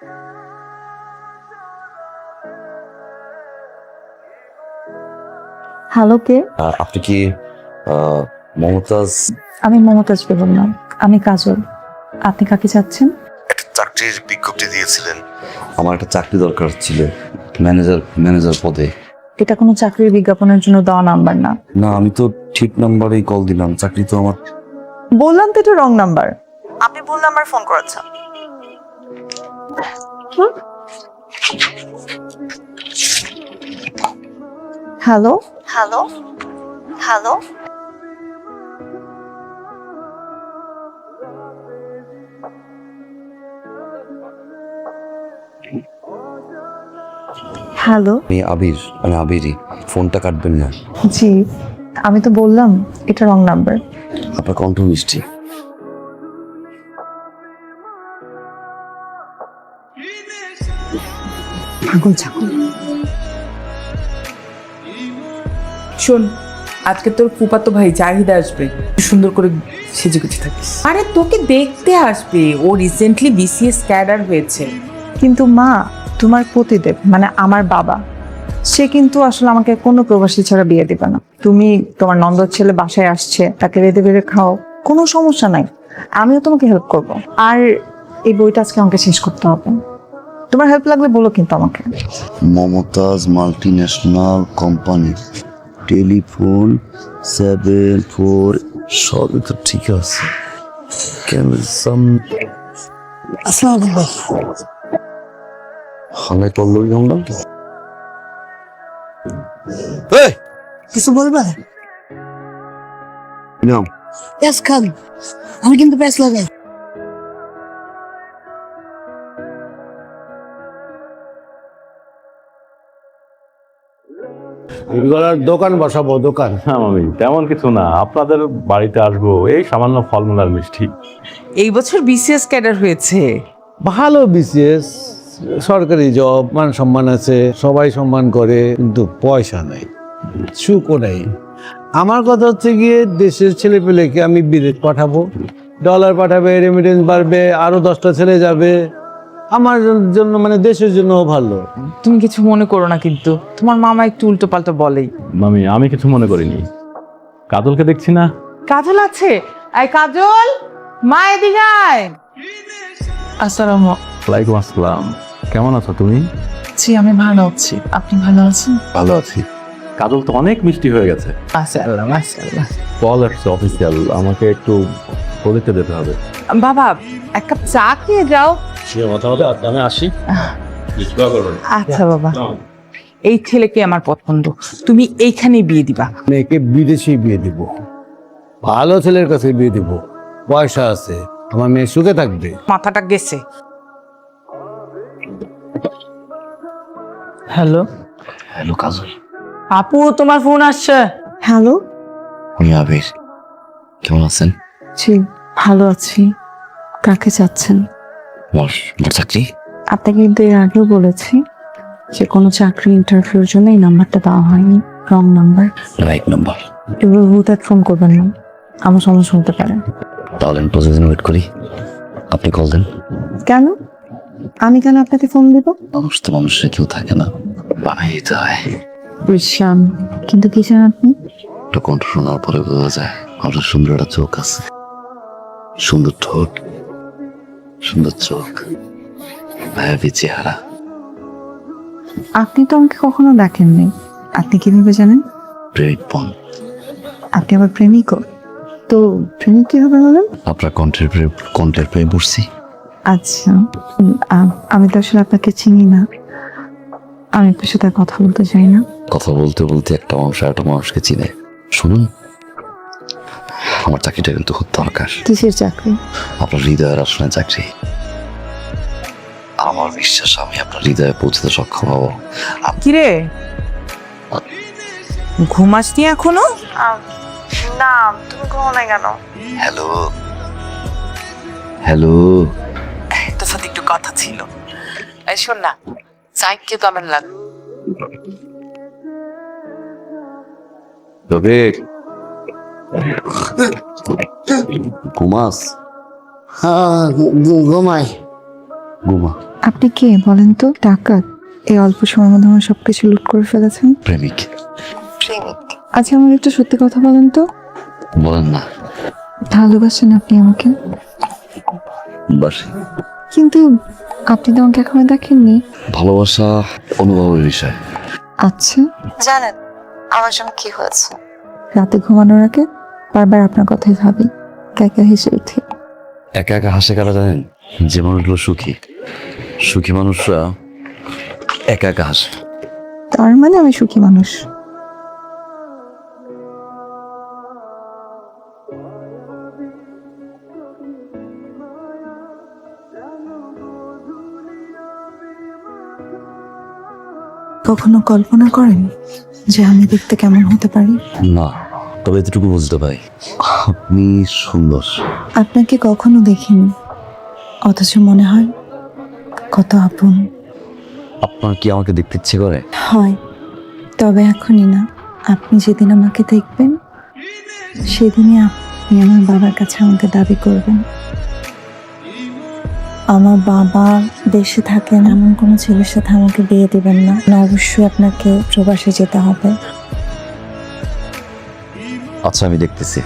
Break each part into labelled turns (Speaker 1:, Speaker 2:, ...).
Speaker 1: Hello, কে?
Speaker 2: আপনি কি মমতাজ?
Speaker 1: আমি মমতাজ বেগম না, আমি কাজল। আপনি কাকে চাচ্ছেন?
Speaker 2: একটা চাকরির বিজ্ঞপ্তি দিয়েছিলেন, আমার একটা চাকরি দরকার ছিল, ম্যানেজার পদে।
Speaker 1: এটা কোনো চাকরির বিজ্ঞাপনের জন্য দেওয়া নাম্বার না।
Speaker 2: না, আমি তো ঠিক নাম্বারেই কল দিলাম, চাকরি তো আমার।
Speaker 1: বললাম তো এটা রং নাম্বার। আপনি ভুল নাম্বার ফোন করেছেন। Hello hello hello. হ্যালো।
Speaker 2: আমি আবিরই। ফোনটা কাটবেন না।
Speaker 1: জি, আমি তো বললাম এটা রং নাম্বার।
Speaker 2: আপনার কণ্ঠ মিষ্টি।
Speaker 1: পাগল ছাগল।
Speaker 3: শোন, আজকে তোর ফুফাতো ভাই জাহিদ আসবে, সুন্দর করে সেজে গুজে থাকিস। আরে তোকে দেখতে আসবে, ও রিসেন্টলি বিসিএস ক্যাডার হয়েছে।
Speaker 1: কিন্তু মা, তোমার পতিদেব মানে আমার বাবা, সে কিন্তু আসলে আমাকে কোনো প্রবাসী ছাড়া বিয়ে দিবে না। তুমি তোমার নন্দর ছেলে বাসায় আসছে, তাকে রেঁধে বেড়ে খাও, কোনো সমস্যা নাই, আমিও তোমাকে হেল্প করব। আর এই বইটা আজকে আমাকে শেষ করতে হবে। তোমার হেল্প লাগলে বলো কিন্তু আমাকে।
Speaker 2: মমতাজ মাল্টিন্যাশনাল কোম্পানি, টেলিফোন 74, সবই তো ঠিক আছে। হালাই পল্লবী আমরা
Speaker 4: কিছু বলবে?
Speaker 2: নাম
Speaker 4: প্যাস খান, আমি কিন্তু প্যাস লাগাই।
Speaker 5: এগুলোর দোকান বসাবো, দোকান।
Speaker 6: হ্যাঁ মামি, তেমন কিছু না, আপনাদের বাড়িতে আসবো, এই সামান্য ফলমূল আর মিষ্টি।
Speaker 3: এই বছর বিসিএস ক্যাডার হয়েছে।
Speaker 5: ভালো বিসিএস, সরকারি জব, মান সম্মান আছে, সবাই সম্মান করে, কিন্তু পয়সা নাই, সুখও নেই। আমার কথা হচ্ছে গিয়ে দেশের ছেলে পেলেকে আমি বিদেশ পাঠাবো, ডলার পাঠাবে, রেমিটেন্স বাড়বে, আরো 10টা ছেলে যাবে, আমার জন্য মানে দেশের জন্য ভালো।
Speaker 3: তুমি কিছু মনে করো না, কিন্তু তোমার মামা একটু উল্টো পাল্টা বলেই।
Speaker 6: মামি, আমি কিছু মনে করিনি। কাজলকে দেখছি না।
Speaker 3: কাজল আছে? আয় কাজল, মা এদিকে আয়। আসসালামু
Speaker 6: ওয়ালাইকুম আসসালাম। কেমন আছো তুমি?
Speaker 3: জি, আমি ভালো আছি। আপনি ভালো আছেন?
Speaker 6: ভালো আছি। কাজল তো অনেক মিষ্টি হয়ে গেছে।
Speaker 3: মাশাআল্লাহ মাশাআল্লাহ।
Speaker 6: কল আসছে অফিসিয়াল, আমাকে একটু প্রজেক্টে যেতে হবে।
Speaker 3: বাবা, এক কাপ চা খেয়ে যাও।
Speaker 6: কথা হবে, আমি আসি।
Speaker 3: আচ্ছা বাবা, এই ছেলেকে আমার পছন্দ, তুমি এইখানেই বিয়ে দিবা।
Speaker 5: মেয়েকে বিদেশেই বিয়ে দিব, ভালো ছেলের কাছে বিয়ে দিব, পয়সা আছে, আমার মেয়ে সুখে থাকবে।
Speaker 3: মাথাটা গেছে। Hello
Speaker 2: hello Kajal.
Speaker 3: আপু, তোমার ফোন আসছে।
Speaker 1: হ্যালো।
Speaker 2: আমি আবির, কেমন আছেন?
Speaker 1: জি, ভালো আছি। কাকে চাচ্ছেন?
Speaker 2: আমার চাকরি।
Speaker 1: আপনাকে কিন্তু এর আগেও বলেছি যে কোনো চাকরি ইন্টারভিউর জন্য এই নাম্বারটা দেওয়া হয়নি, রং নাম্বার।
Speaker 2: Right number.
Speaker 1: এবার হুদার ফোন করবেন না, আমার সমস্যা হতে পারে।
Speaker 2: তাহলে আমি প্রতিদিন ওয়েট করি, আপনি কল দেন।
Speaker 1: কেন? আমি কেন আপনাকে ফোন দিব?
Speaker 2: মানুষ তো মানুষের কেউ থাকে না, বানাই দিতে হয়।
Speaker 1: বুঝলাম, কিন্তু কি চান আপনি?
Speaker 2: একটা কণ্ঠ শোনার পরে বোঝা যায় আপনার সুন্দর একটা চোখ আছে, সুন্দর ঠোঁট, সুন্দর চোখ, ভায়াবি চেহারা।
Speaker 1: আপনি তো আমাকে কখনো দেখেননি, আপনি কিভাবে জানেন?
Speaker 2: প্রেমিক পণ।
Speaker 1: আপনি আমার প্রেমিকও? তো প্রেমিক কিভাবে হলেন?
Speaker 2: আপনার কণ্ঠের প্রেমে পড়ছি।
Speaker 1: আচ্ছা, আমি তো আসলে আপনাকে চিনি না, আমি আপনার সাথে আর কথা বলতে চাই না।
Speaker 2: কথা বলতে বলতে একটা মানুষ আর একটা মানুষকে চিনে। শুনুন, আমার চাকরিটা কিন্তু খুব দরকার।
Speaker 1: কিসের চাকরি?
Speaker 2: আপনার হৃদয়ের আসনে চাকরি। আমার বিশ্বাস আমি আপনার হৃদয়ে পৌঁছতে সক্ষম হব।
Speaker 3: কিরে, ঘুমাসনি এখনো?
Speaker 1: না, তুমি ঘুমো না কেন?
Speaker 2: Hello hello.
Speaker 3: তোর সাথে একটু কথা ছিল। এই শোন না, চাইকে তো আমার লাগ।
Speaker 2: তবে ঘুমাস?
Speaker 4: হ্যাঁ, ঘুমাই।
Speaker 2: ঘুমা।
Speaker 1: আপনি কে বলেন তো? ডাকাত? এই অল্প সময়ের মধ্যে আমার সবকিছু লুট করে ফেলেছেন।
Speaker 2: প্রেমিক।
Speaker 1: আচ্ছা আমার একটু সত্যি কথা বলেন তো,
Speaker 2: বলেন না।
Speaker 1: ভালোবাসেন আপনি আমাকে?
Speaker 2: বাসি।
Speaker 1: কিন্তু আপনি তো আমাকে এখনো দেখেননি।
Speaker 2: ভালোবাসা অনুভবের বিষয়।
Speaker 1: আচ্ছা জানেন আমার জন্য কি হয়েছে? রাতে ঘুমানোর আগে বারবার আপনার কথাই ভাবি, একা হেসে উঠি।
Speaker 2: একা একা হাসে কারা জানেন? যে মানুষগুলো সুখী, সুখী মানুষরা একা একা হাসে।
Speaker 1: তার মানে আমি সুখী মানুষ। কখনো কল্পনা করেন যে আমি দেখতে কেমন হতে পারি?
Speaker 2: না, তবে এতটুকু বুঝতে পারি আপনি সুন্দর।
Speaker 1: আপনাকে কখনো দেখিনি, অথচ মনে হয় কত আপন।
Speaker 2: আপনার কি আমাকে দেখতে ইচ্ছে করে?
Speaker 1: হয়, তবে এখনই না। আপনি যেদিন আমাকে দেখবেন সেদিনই আপনি আমার বাবার কাছে আমাকে দাবি করবেন। আমার বাবা দেশে থাকেন এমন কোনো ছেলের সাথে আমাকে বিয়ে দেবেন না। অবশ্যই আপনাকে প্রবাসে যেতে হবে।
Speaker 2: আচ্ছা আমি দেখতেছি।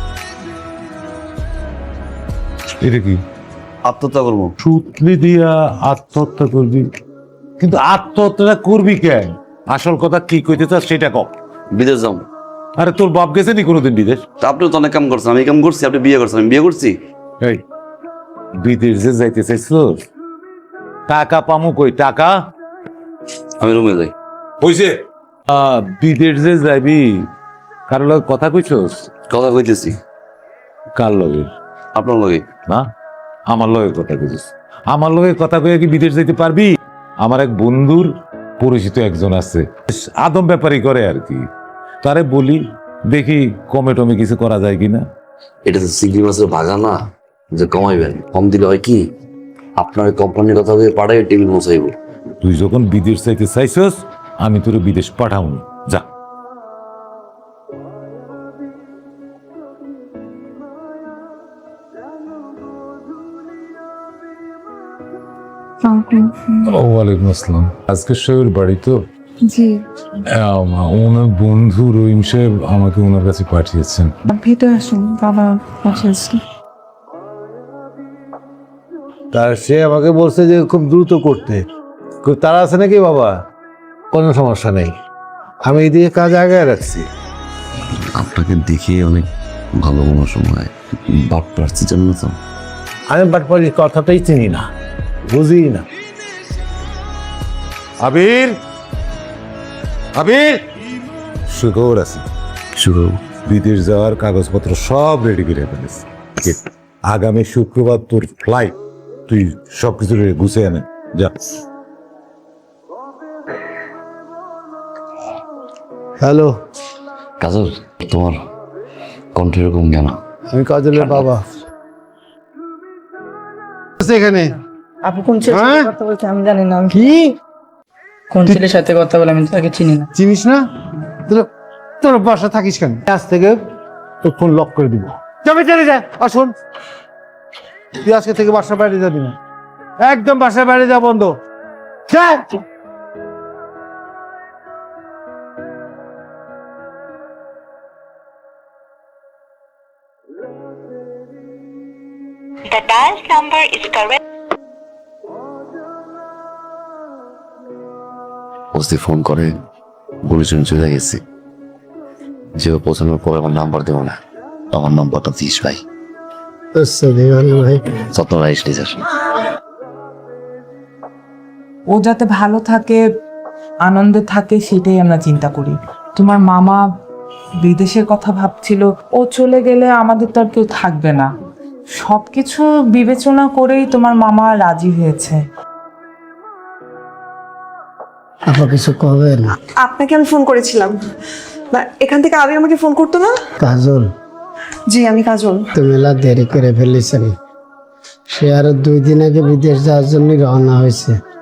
Speaker 5: এটা কি
Speaker 2: আত্মহত্যা করবো?
Speaker 5: সুতলি দিয়া আত্মহত্যা করবি? কিন্তু আত্মহত্যাটা করবি কেন? আসল কথা কি কইতে চাস সেটা কম।
Speaker 2: বিদেশ যাও।
Speaker 5: আরে তোর বাপ গেছে নি কোনোদিন বিদেশ?
Speaker 2: তা আপনিও তো অনেক কাম করছেন, আমি কাম করছি, আপনি বিয়ে করছেন, আমি বিয়ে করছি।
Speaker 5: এই বিদেশ যে যাইতে চাইছিল, টাকা পামু কই টাকা?
Speaker 2: আমি রুমে যাই।
Speaker 5: হইছে বিদেশ যে যাবি কারোর লগে কথা কইছস?
Speaker 2: কথা কইতেছি।
Speaker 5: কার লগে?
Speaker 2: আপনার লগে।
Speaker 5: না, আমার লগে কথা কইছিস। আমার লগে কথা কইয়া কি বিদেশ যাইতে পারবি? আমার এক বন্ধুর পরিচিত একজন আছে, আদম ব্যাপারই করে আর কি। তারে বলি দেখি কমে টমে কিছু করা যায় কিনা।
Speaker 2: এটা তো চিংড়ি মাছের ভাগা না যে কমাইবেন। কম দিলে হয় কি, আপনার কোম্পানির কথা বলে পাড়ায় টেবিল মশাইব।
Speaker 5: তুই যখন বিদেশ যাইতে চাইছস আমি তোর বিদেশ পাঠাও যা। ওয়ালাইকুম আসসালাম। আজকে সাহেবের বাড়ি তো?
Speaker 1: জি
Speaker 5: ওনার বন্ধু রহিম সাহেব আমাকে ওনার কাছে পাঠিয়েছেন।
Speaker 1: ভিতরে আসুন, বাবা পাশে আছে।
Speaker 5: তার সে আমাকে বলছে যে খুব দ্রুত করতে। তারা আছে নাকি বাবা? কোনো সমস্যা নেই, আমি এইদিকে কাজ আগায় রাখছি।
Speaker 2: আপনাকে দেখে অনেক ভালো মনে সময় বাপ প্রার্থী জন্য তো।
Speaker 5: আমি বাটপাড়ির কথাটাই চিনি না, বুঝি না। আবির, আবির, সুখবর আছে।
Speaker 2: শুরু
Speaker 5: বিদেশ যাওয়ার কাগজপত্র সব রেডি করে ফেলেছি। আগামী শুক্রবার তোর ফ্লাইট, তুই সবকিছু গুছিয়ে আনে যা। হ্যালো
Speaker 2: কাজল, তোমার কণ্ঠ এরকম কেন?
Speaker 5: আমি কাজলের বাবা। এখানে
Speaker 4: আপনি কোন ছেলের
Speaker 5: হ্যাঁ?
Speaker 4: সাথে কথা বলছেন আমি জানি না।
Speaker 5: কি
Speaker 4: কোন ছেলের সাথে কথা বলে আমি তো তাকে চিনি না।
Speaker 5: চিনিস না? তোর বাসা থাকিস কেন? আজ থেকে তোর ফোন লক করে দিব। যাবে চলে যা। আসুন, তুই আজকে থেকে বাসার বাইরে যাবি না, একদম বাসার বাইরে যা বন্ধ। যা।
Speaker 7: The dial number is correct.
Speaker 2: OC phone করে গুলি শুনে চলে গেছি। যে পৌঁছানোর পর আমার নাম্বার দেবো না, আমার নাম্বারটা দিস ভাই। স্বপ্নরা স্টেজ।
Speaker 3: ও যাতে ভালো থাকে, আনন্দে থাকে, সেটাই আমরা চিন্তা করি। তোমার মামা বিদেশের কথা ভাবছিল, ও চলে গেলে আমাদের তো আর কেউ থাকবে না। সবকিছু বিবেচনা করেই তোমার মামা রাজি হয়েছে।
Speaker 4: আপা কিছু কবে না?
Speaker 8: আপনাকে আমি ফোন করেছিলাম না, এখান থেকে আবি আমাকে ফোন করতো না?
Speaker 4: কাজল,
Speaker 8: জি আমি কাজল।
Speaker 4: তো মেলা দেরি করে ফেলেছেন। সে আরো 2 দিন আগে বিদেশ যাওয়ার জন্য রওনা হয়েছে।